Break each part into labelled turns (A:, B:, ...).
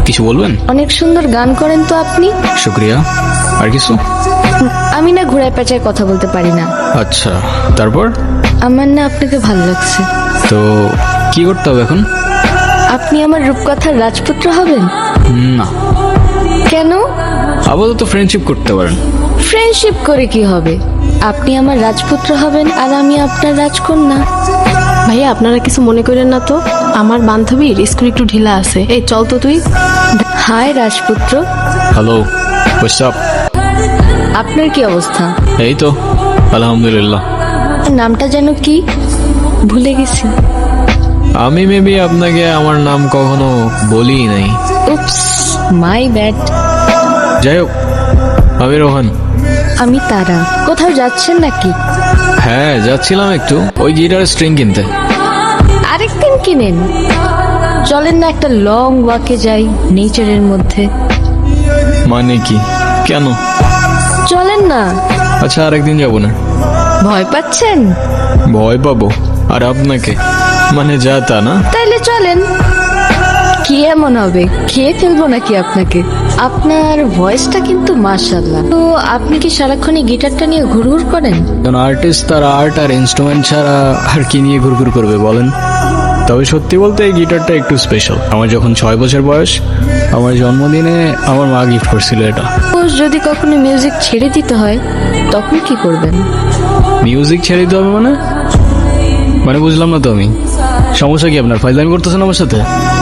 A: কিছু বলবেন?
B: অনেক সুন্দর গান করেন তো আপনি।
A: শুক্রিয়া। আর কিছু?
B: আমি না ঘোড়ায় পেঁচায় কথা বলতে পারি না।
A: আচ্ছা, তারপর?
B: আমার না আপনাকে ভালো লাগছে।
A: তো কি করতে হবে এখন?
B: আপনি আমার রূপকথার রাজপুত্র হবেন?
A: না,
B: কেন?
A: আপাতত ফ্রেন্ডশিপ করতে পারেন।
B: ফ্রেন্ডশিপ করে কি হবে? আপনি আমার রাজপুত্র হবেন আর আমি আপনার রাজকন্যা।
C: ভাইয়া আপনারা কিছু মনে করেন না তো, আমার বান্ধবীর স্কুল একটু ঢিলা আছে। এই চল তো তুই।
B: হাই রাজপুত্র,
A: হ্যালো, হোয়াটস আপ?
B: আপনার কি অবস্থা?
A: এই তো আলহামদুলিল্লাহ।
B: নামটা যেন কি ভুলে গেছি।
A: আমি মেবি আপনাকে আমার নাম কখনো বলি নাই।
B: Oops, my bad.
A: যাই হোক, আমি রোহান।
B: আমি তারা। কোথাও যাচ্ছেন নাকি?
A: হ্যাঁ, যাচ্ছিলাম একটু ওই গিটার স্ট্রিং কিনতে।
B: আরেকদিন কিনেন। চলেন না একটা লং ওয়াকে যাই নেচারের মধ্যে।
A: মানে কি? কেন?
B: চলেন না।
A: আচ্ছা, আরেকদিন যাবো না।
B: ভয় পাচ্ছেন?
A: ভয় পাবো? আর আপনাকে? মানে যা তা না।
B: তাইলে চলেন। কি এমন হবে, খেয়ে ফেলবো নাকি আপনাকে? আপনার ভয়েসটা কিন্তু মাশাআল্লাহ। তো আপনি কি সারাক্ষণই গিটারটা নিয়ে ঘুরঘুর করেন?
A: কারণ আর্টিস্ট তার আর্ট আর ইনস্ট্রুমেন্ট ছাড়া আর কি নিয়ে ঘুরঘুর করবে বলেন? তবে সত্যি বলতে এই গিটারটা একটু স্পেশাল। আমার যখন 6 বছর বয়স, আমার জন্মদিনে আমার মা গিফট করছিল এটা।
B: যদি কখনো মিউজিক ছেড়ে দিতে হয় তখন কি করবেন?
A: মিউজিক ছেড়ে দিতে হবে মানে? মানে বুঝলাম না তো আমি। সমস্যা কি আপনার? ফাইজলামি করতেছেন আমার সাথে?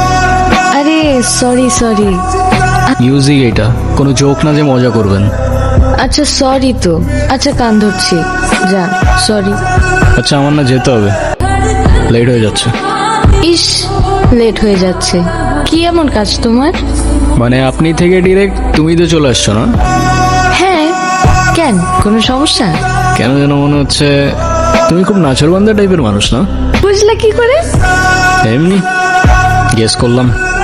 B: আরে সরি।
A: মিউজিক এটা কোনো জোক না যে মজা করবেন।
B: আচ্ছা সরি তো। আচ্ছা কান ধরছি, যা সরি।
A: আচ্ছা, আমার না যেতে হবে, লেট হয়ে যাচ্ছে।
B: ইস, লেট হয়ে যাচ্ছে। কি এমন কাজ তোমার?
A: মানে আপনি থেকে ডিরেক্ট তুমি তো চলে আসছো না?
B: হ্যাঁ, কেন কোনো সমস্যা?
A: কেন যেন মনে হচ্ছে তুমি খুব নাচরবান্ধা টাইপের মানুষ না?
B: বুঝলে কি করে?
A: এমনি গেস করলাম।